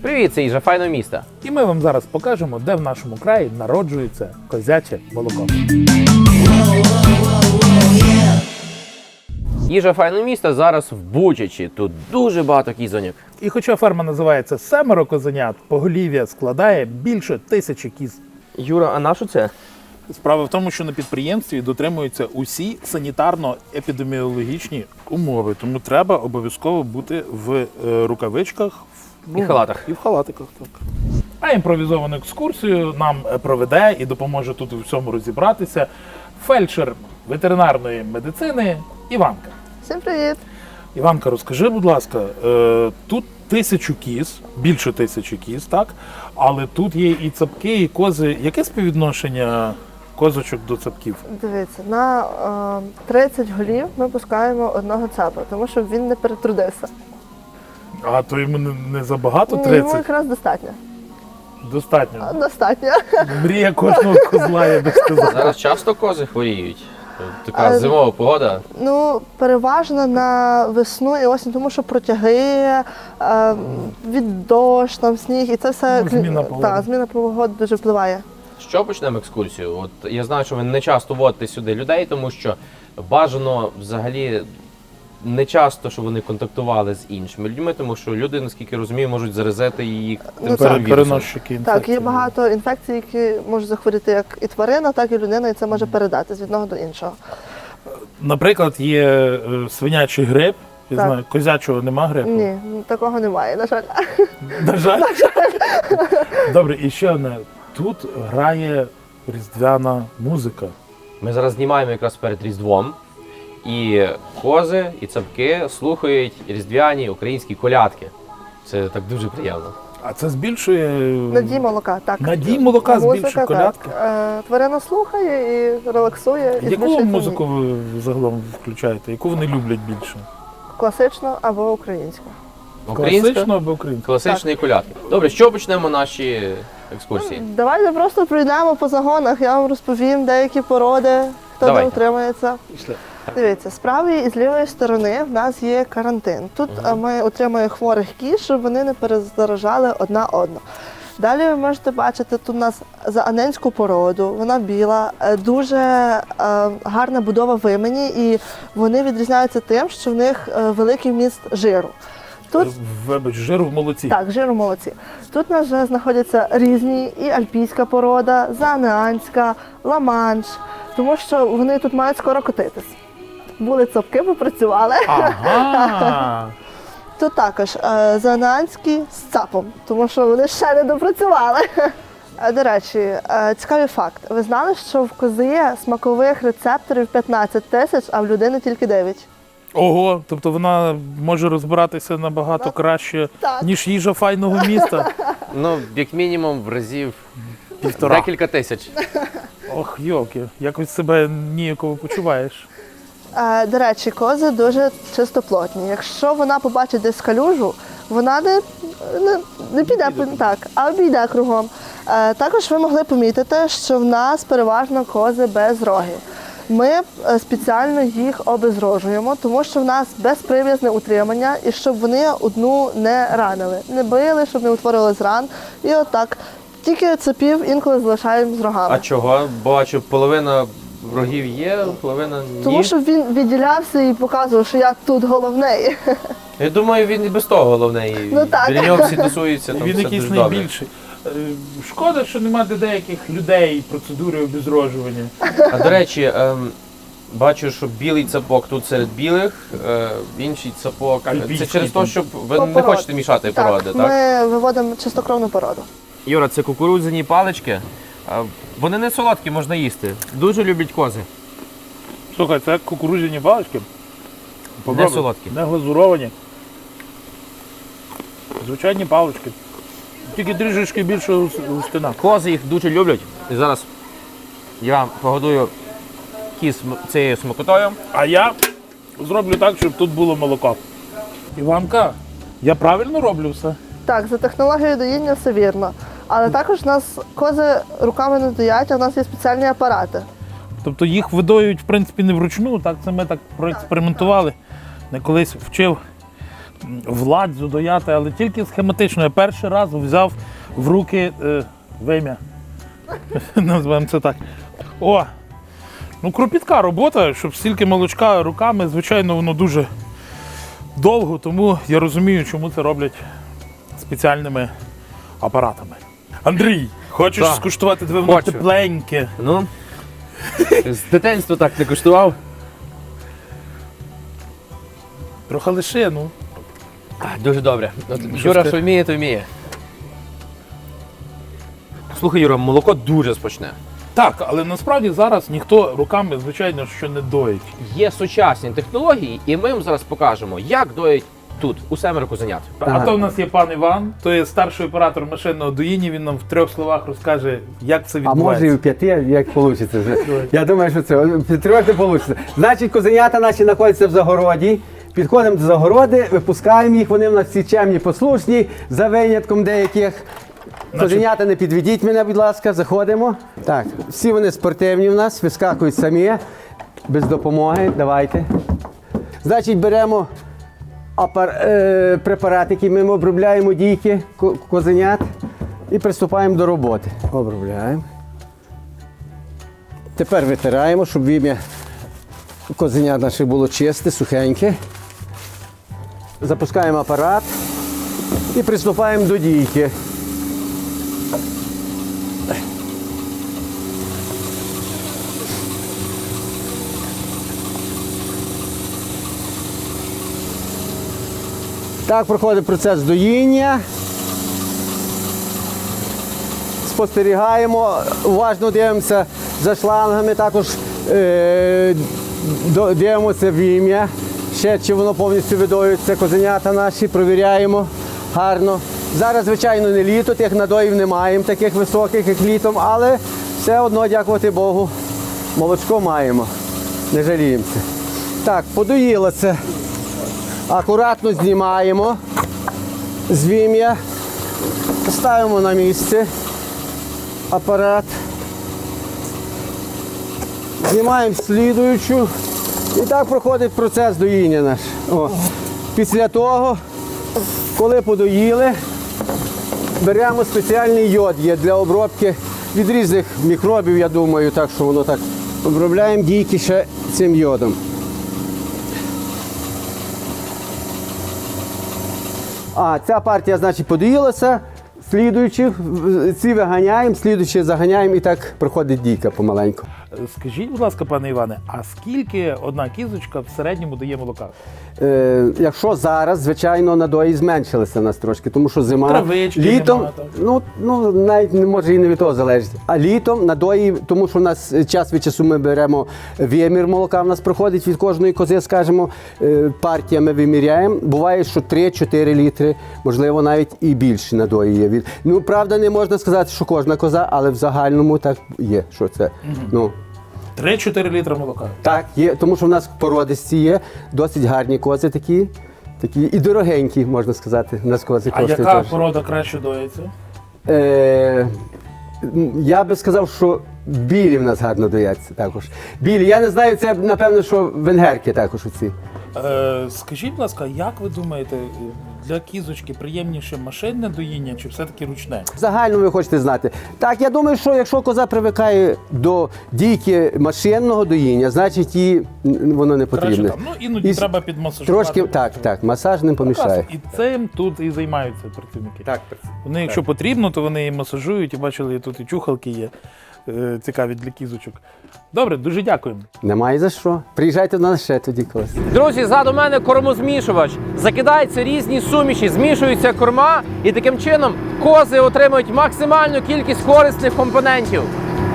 Привіт, це Їжа файного міста. І ми вам зараз покажемо, де в нашому краї народжується козяче молоко. Їжа файного міста зараз в Бучачі. Тут дуже багато кізоньок. І хоча ферма називається «Семеро козенят», поголів'я складає більше 1000 кіз. Юра, а на що це? Справа в тому, що на підприємстві дотримуються усі санітарно-епідеміологічні умови, тому треба обов'язково бути в рукавичках І халатах. І в халатиках, так. А імпровізовану екскурсію нам проведе і допоможе тут у всьому розібратися фельдшер ветеринарної медицини Іванка. Всім привіт! Іванка, розкажи, будь ласка, тут 1000 кіз, більше 1000 кіз, так? Але тут є і цапки, і кози. Яке співвідношення козочок до цапків? Дивіться, на 30 голів ми пускаємо одного цапа, тому що він не перетрудився. А то йому не забагато Ні, 30? йому якраз достатньо. Достатньо. Достатньо. Мрія кожного козла, я би сказав. Зараз часто кози хворіють. Така зимова погода. Ну, переважно на весну і осінь, тому що протяги, від дощ, там сніг, і це все Зміна погоди. Так, зміна погоди дуже впливає. Що почнемо екскурсію? От я знаю, що ви не часто водите сюди людей, тому що бажано взагалі не часто, щоб вони контактували з іншими людьми, тому що люди, наскільки розумію, можуть заразити їх тим самим вірусом. Переносчики інфекції. Так, є багато інфекцій, які можуть захворіти як і тварина, так і людина, і це може передати з одного до іншого. Наприклад, є свинячий грип. Я Так. знаю, козячого нема грипу? Ні, такого немає, на жаль. На жаль. Добре, і ще одне. Тут грає різдвяна музика. Ми зараз знімаємо якраз перед Різдвом, і кози, і цапки слухають різдвяні українські колядки. Це так дуже приємно. А це збільшує Надій молока, так. надій молока, збільшує колядки. Так. Тварина слухає і релаксує, і Яку змішує музику ви загалом включаєте? Яку вони люблять більше? класичну або українську. Класичну або українську? Класичні колядки. Добре, з чого почнемо наші екскурсії? Давайте просто пройдемо по загонах, я вам розповім деякі породи, хто Давайте. де утримується. Пішли. Дивіться, з правої і з лівої сторони в нас є карантин. Тут ми утримуємо хворих кіз, щоб вони не перезаражали одна одну. Далі ви можете бачити, тут у нас зааненську породу, вона біла, дуже гарна будова вимені, і вони відрізняються тим, що в них великий вміст жиру. Тут Вибач, жиру в молоці. так, жиру молодці. Тут у нас вже знаходяться різні і альпійська порода, заанеанська, ламанш, тому що вони тут мають скоро котитись. Були цапки, попрацювали. Ага. Тут також заанеанські з цапом, тому що вони ще не допрацювали. До речі, цікавий факт. Ви знали, що в кози є смакових рецепторів 15 тисяч, а в людини тільки 9? Ого, тобто вона може розбиратися набагато краще, Так. ніж їжа файного міста. Ну, як мінімум, в разів Півтора. декілька тисяч. Ох, йолки, якось себе ніяково почуваєш. До речі, кози дуже чистоплотні. Якщо вона побачить десь калюжу, вона не піде так, а обійде кругом. Також ви могли помітити, що в нас переважно кози без рогів. Ми спеціально їх обезрожуємо, тому що в нас безприв'язне утримання, і щоб вони одну не ранили. Не били, щоб не утворили ран. І отак. Тільки цапів інколи залишаємо з рогами. А чого? Бачу, половина рогів є, половина ні. Тому що він відділявся і показував, що я тут головний. Я думаю, він і без того головний. Ну, так. Біля нього всі тусуються, там Він все якийсь дуже добре. найбільший. Шкода, що немає для деяких людей процедури обезрожування. А до речі, бачу, що білий цапок тут серед білих, інший цапок. Альпійський Це через те, там. що ви По не породі. хочете мішати породи, так? Ми виводимо чистокровну породу. Юра, це кукурудзяні палички. Вони не солодкі, можна їсти. Дуже люблять кози. Слухай, це кукурудзяні палички. Попробуй. Не солодкі. Не глазуровані. Звичайні палички. Тільки трішечки більше густина. Кози їх дуже люблять. І зараз я погодую кіз цією смакотою. А я зроблю так, щоб тут було молоко. Іванка, я правильно роблю все? Так, за технологією доїння все вірно. Але також у нас кози руками не доять, а в нас є спеціальні апарати. Тобто їх видоюють, в принципі, не вручну, так це ми так проекспериментували. Не колись вчив владзю дояти, але тільки схематично. Я перший раз взяв в руки вим'я. Називаємо це так. О! Ну, кропітка робота, щоб стільки молочка руками, звичайно, воно дуже довго, тому я розумію, чому це роблять спеціальними апаратами. Андрій, хочеш Так. скуштувати диви, воно Хочу. тепленьке? Ну, з дитинства так не куштував. Трохи лише, ну. Дуже добре. От, Що Юра, ти? що вміє, то вміє. Слухай, Юра, молоко дуже смачне. Так, але насправді зараз ніхто руками, звичайно, що не доїть. Є сучасні технології, і ми вам зараз покажемо, як доїть тут, у Семеро Козенят. А то в нас є пан Іван, то є старший оператор машинного доїння, він нам в 3 словах розкаже, як це А відбувається. може і в 5, як вийде. Я думаю, що це в 3 не вийде. Значить, козенята наші знаходяться в загороді. Підходимо до загороди, випускаємо їх, вони в нас всі чемні, послушні, за винятком деяких. Козенята, не підведіть мене, будь ласка, заходимо. Так, всі вони спортивні в нас, вискакують самі, без допомоги. Давайте. Значить, беремо препарат, який ми обробляємо дійки козенят і приступаємо до роботи. Обробляємо. Тепер витираємо, щоб вім'я козенят наше було чисте, сухеньке. Запускаємо апарат і приступаємо до дійки. Так проходить процес доїння. Спостерігаємо, уважно дивимося за шлангами, також дивимося вім'я, ще чи воно повністю видоюється, козенята наші, провіряємо гарно. Зараз, звичайно, не літо, тих надоїв не маємо, таких високих, як літом, але все одно, дякувати Богу, молочко маємо, не жаліємося. Так, подоїло це. Акуратно знімаємо з вім'я, ставимо на місце апарат, знімаємо слідуючу і так проходить процес доїння наш. О. Після того, коли подоїли, беремо спеціальний йод є для обробки від різних мікробів, я думаю, так що воно так. Обробляємо дійки ще цим йодом. А, ця партія, значить, подоїлася, слідуючи, ці виганяємо, слідуючи заганяємо і так проходить дійка помаленьку. Скажіть, будь ласка, пане Іване, а скільки одна кізочка в середньому дає молока? Якщо зараз, звичайно, надої зменшилися в нас трошки, тому що зима, Травички літом, нема, так. ну навіть не може і не від того залежить. А літом надої, тому що в нас час від часу ми беремо вимір молока, в нас проходить від кожної кози, скажімо, партіями виміряємо. Буває, що 3-4 літри, можливо, навіть і більше надої є. Ну, правда, не можна сказати, що кожна коза, але в загальному так є, що це. Ну, 3-4 літра молока. так, є, тому що в нас породисті є, досить гарні кози такі і дорогенькі, можна сказати. У нас кози А коштують яка теж. порода краще доїться? Я би сказав, що білі в нас гарно дояться також. Білі, я не знаю, це напевно, що венгерки також оці. Скажіть, будь ласка, як ви думаєте, для кізочки приємніше машинне доїння чи все-таки ручне? Загально ви хочете знати. Так, я думаю, що якщо коза привикає до дійки машинного доїння, значить їй воно не Краще потрібне. там. Ну, іноді І треба підмасажувати. Трошки, так, масаж не помішає. І цим тут і займаються працівники. Так, Вони, якщо потрібно, то вони і масажують, і бачили, тут і чухалки є цікаві для кізочок. Добре, дуже дякуємо. немає за що. Приїжджайте до нас ще тоді колись. Друзі, ззаду мене кормозмішувач. Закидаються різні суміші, змішуються корма, і таким чином кози отримують максимальну кількість корисних компонентів.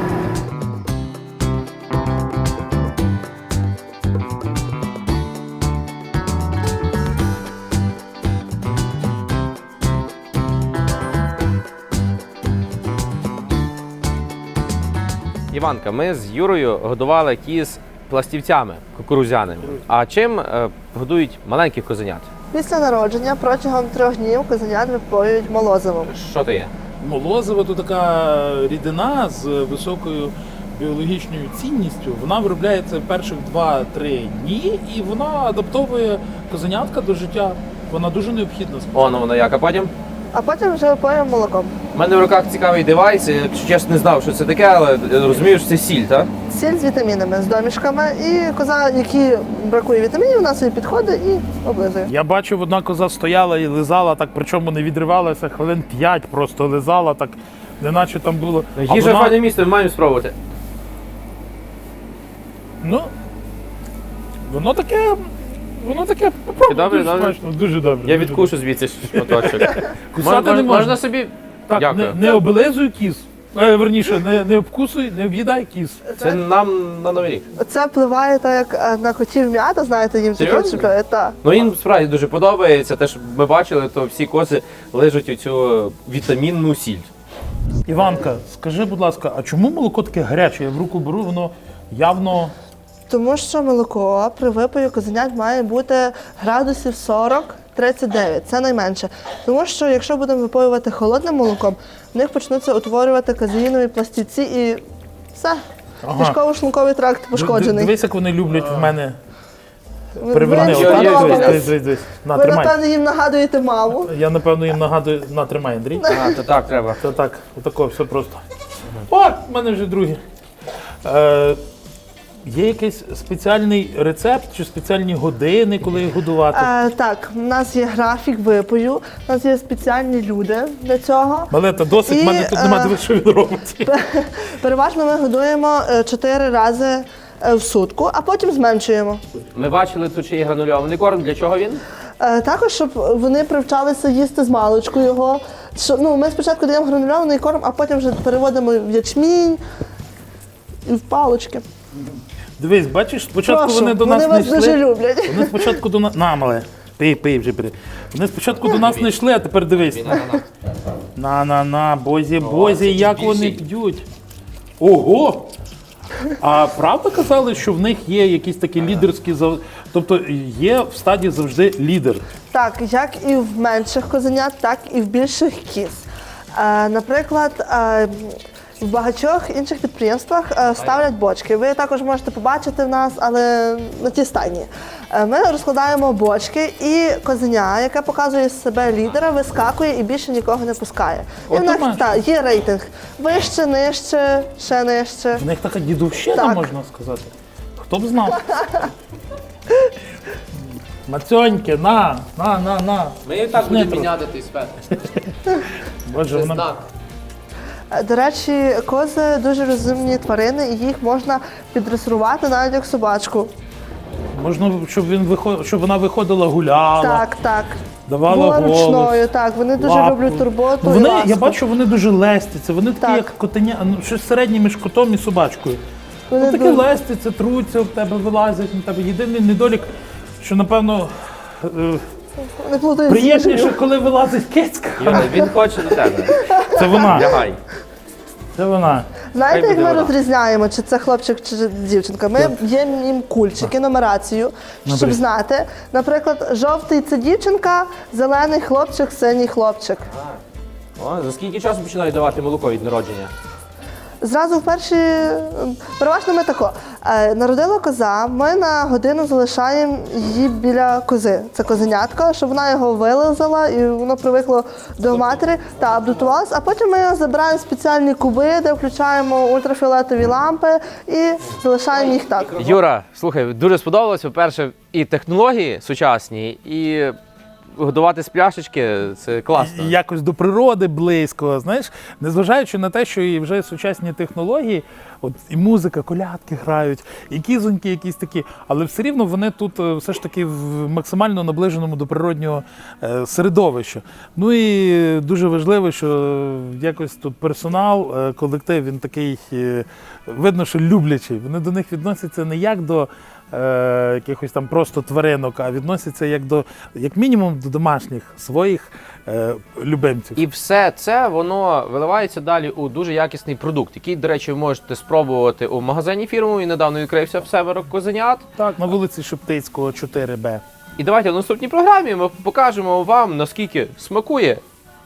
Іванка, ми з Юрою годували кіз пластівцями кукурудзяними. А чим годують маленьких козенят? Після народження протягом 3 днів козенят випоюють молозивом. Що то є? Молозиво – то така рідина з високою біологічною цінністю. Вона виробляється перших 2-3 дні і вона адаптовує козенятка до життя Вона дуже необхідна. Воно воно як, а потім? А потім вже випоюємо молоком. У мене в руках цікавий девайс, я, якщо чесно, не знав, що це таке, але розумію, що це сіль, так? Сіль з вітамінами, з домішками. І коза, якій бракує вітамінів, вона собі підходить і облизує. Я бачив, одна коза стояла і лизала, так, причому не відривалася, хвилин 5 просто лизала, так, неначе там було. А Їжа вона- файне місто, ми маємо спробувати. Ну, воно таке, попробуй, Добре, дуже добре. смачно, дуже добре. Я дуже відкушу звідси шматочок. Кусати не можна. Можна собі. Так, Дякую. не облизуй кіз. Верніше, не обкусуй, не в'їдай кіз. Це нам на Новий рік. Це впливає так, як на котів м'ята, знаєте, їм таке Серйозно? чіпляє. Так. Ну їм справді дуже подобається. Те, що ми бачили, то всі кози лежать оцю вітамінну сіль. Іванка, скажи, будь ласка, а чому молоко таке гаряче? Я в руку беру, воно явно. Тому що молоко при випою козенят має бути градусів 40-39, це найменше. Тому що якщо будемо випоювати холодним молоком, в них почнуться утворювати казеїнові пластівці і все. Ага. Кишково-шлунковий тракт пошкоджений. Дивись, як вони люблять в мене. Ви Переверни. їм Отак, сподобались. дивись. На, Ви, тримай. напевно, їм нагадуєте маму. Я, напевно, їм нагадую. На, тримай, Андрій. А, то так треба. Це так, отако, все просто. О, в мене вже другі. Є якийсь спеціальний рецепт чи спеціальні години, коли їх годувати? Так, у нас є графік випою, у нас є спеціальні люди для цього. Малета, досить, в мене тут немає дивись, що він робить. Переважно ми годуємо 4 рази в сутку, а потім зменшуємо. Ми бачили тут ще є гранульований корм. Для чого він? Також, щоб вони привчалися їсти з маличку його. Ми спочатку даємо гранульований корм, а потім вже переводимо в ячмінь і в палички. Дивись, бачиш, спочатку Прошу, вони до нас вони не вас дуже йшли. люблять. Вони спочатку до нас. На, мале, пий вже бери. Вони спочатку до нас не йшли, а тепер дивись. На, бозі, як вони більший. п'ють. Ого! А правда казали, що в них є якісь такі лідерські тобто є в стаді завжди лідер. Так, як і в менших козенят, так і в більших кіз. Наприклад, в багатьох інших підприємствах ставлять бочки. Ви також можете побачити в нас, але на тій стайні. Ми розкладаємо бочки, і козеня, яке показує себе лідера, вискакує і більше нікого не пускає. І в От нас є рейтинг. Вище, нижче, ще нижче. В них така дідовщина, Так. можна сказати. Хто б знав? Мацьоньки, на. Ми і так будемо будемо міняти той спет. Боже, вона... Знак. До речі, кози дуже розумні тварини, і їх можна піддресирувати навіть як собачку. Можна, щоб вона виходила, гуляла, Так. давала Була голос. ручною, так. Вони дуже лапу. люблять турботу і Вони, ласку. я бачу, вони дуже лестяться. Вони такі, Так. як котеня, щось середнє між котом і собачкою. Вони Вони такі дуже- лестяться, труться в тебе, вилазять на тебе. Єдиний недолік, що, напевно, Не плутають з приємніше, їжею. коли вилазить кицька. Юра, він хоче до тебе. Це вона. Лягай. Це вона. Знаєте, Хай як буде ми вона. розрізняємо, чи це хлопчик, чи дівчинка? Ми б'ємо їм кульчики, нумерацію, щоб Добре. знати. Наприклад, жовтий – це дівчинка, зелений хлопчик, синій хлопчик. О, за скільки часу починають давати молоко від народження? Зразу в перші, переважно ми тако. Народила коза, ми на годину залишаємо її біля кози. Це козенятко, щоб вона його вилизала і воно привикло до матері та адаптувалось. А потім ми його забираємо в спеціальні куби, де включаємо ультрафіолетові лампи і залишаємо їх так. Юра, слухай, дуже сподобалось, по-перше, і технології сучасні, і годувати з пляшечки – це класно. І якось до природи близько, знаєш, незважаючи на те, що і вже сучасні технології, от і музика, колядки грають, і кізоньки якісь такі, але все рівно вони тут все ж таки в максимально наближеному до природнього середовища. Ну і дуже важливо, що якось тут персонал, колектив, він такий, видно, що люблячий. Вони до них відносяться не як до якихось там просто тваринок, а відносяться як мінімум до домашніх своїх любимців. І все це, воно виливається далі у дуже якісний продукт, який, до речі, ви можете спробувати у магазині фірму, і недавно відкрився в Северо козенят. Так, на вулиці Шептицького, 4Б. І давайте в наступній програмі ми покажемо вам, наскільки смакує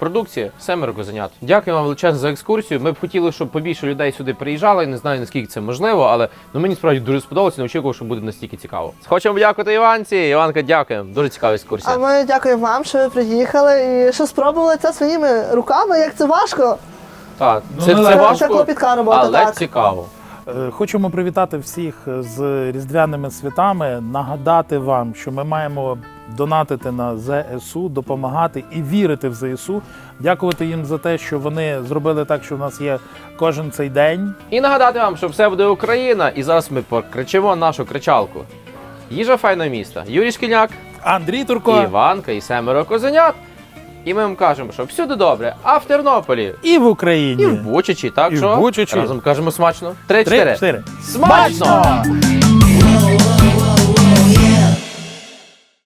продукція, 7 козенят. Дякую вам величезно за екскурсію. Ми б хотіли, щоб побільше людей сюди приїжджало. Я не знаю, наскільки це можливо, але мені справді дуже сподобалося, не очікував, що буде настільки цікаво. Хочемо подякувати Іванці. Іванка, дякуємо. Дуже цікава екскурсія. А ми дякуємо вам, що ви приїхали і що спробували це своїми руками, як це важко. Так, Ну, це це важко, клопітка робота, але так. цікаво. Хочемо привітати всіх з Різдвяними святами, нагадати вам, що ми маємо донатити на ЗСУ, допомагати і вірити в ЗСУ, дякувати їм за те, що вони зробили так, що в нас є кожен цей день. І нагадати вам, що все буде Україна, і зараз ми покричимо нашу кричалку. Їжа файного міста. Юрій Шкільняк, Андрій Турко Іванка і 7 козенят. І ми вам кажемо, що всюди добре, а в Тернополі і в Україні. і в Бучачі, так І в що Бучачі. разом кажемо смачно. 3-4. 3-4. Смачно!